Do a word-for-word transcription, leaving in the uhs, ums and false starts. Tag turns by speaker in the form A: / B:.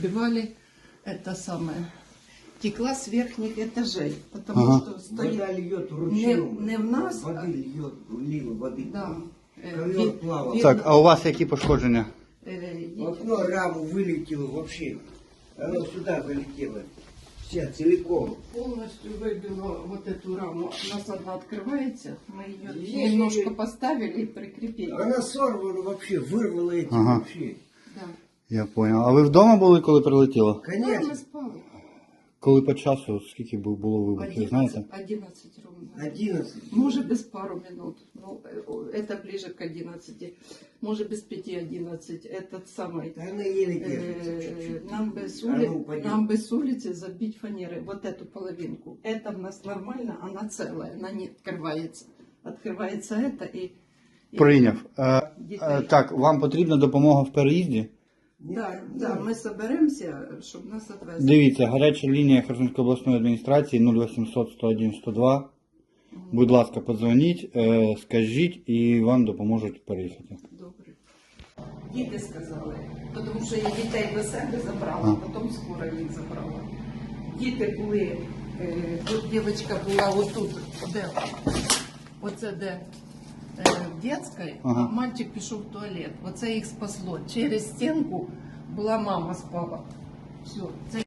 A: Убивали это самое. Текла с верхних этажей, потому
B: Ага.
A: что стоит
C: Вода льет
A: не,
C: ручьем.
A: не в нас, а-
C: Воды льет, лила воды.
A: да. Э,
C: Ковер
A: ви-
C: плавал.
A: видно,
B: Так, а у вас які пошкодження?
A: э,
C: В окно раму вылетело вообще. Оно сюда залетело. Вся целиком.
A: полностью выбило вот эту раму. У нас одна открывается, мы ее
C: Есть
A: немножко
C: же-
A: поставили и прикрепили.
C: Она сорвана вообще, вырвала эти
B: Ага.
C: вообще.
A: Да.
B: Я зрозумів. А ви вдома були, коли прилетіло?
A: Да, мы
C: Конечно,
A: спали.
B: Коли по часу, скільки бу- було вибухів, знаєте?
A: одиннадцать, одиннадцать ровно.
C: одиннадцать.
A: Может, без пару минут. Ну, э, это ближе к одиннадцати. Может, без пяти одиннадцать. Этот самый.
C: Да она еле держится
A: э,
C: чуть-чуть.
A: Нам бы, с
C: А
A: ули...
C: ну, упадет.
A: нам бы с улицы забить фанеры. Вот эту половинку. Это у нас нормально, она целая. Она не открывается. Открывается это и... и-
B: Прийняв. Е, е,
A: Дітей.
B: так, вам потрібна допомога в переїзді?
A: Да, да, мы соберемся, чтобы нас отвезли.
B: Дивіться, гаряча лінія Херсонської обласної адміністрації нуль вісімсот сто один сто два. Будь ласка, подзвоніть, е, скажіть і вам допоможуть переїхати.
A: Добре. Діти сказали, тому що я дітей до себе забрала,
B: А.
A: потім скоро їх забрала. Діти були, е, тут дівчинка була отут, де, оце де е, в дитячій,
B: Ага.
A: а мальчик пішов в туалет. Оце їх спасло. Через стінку була мама спала. Все. Це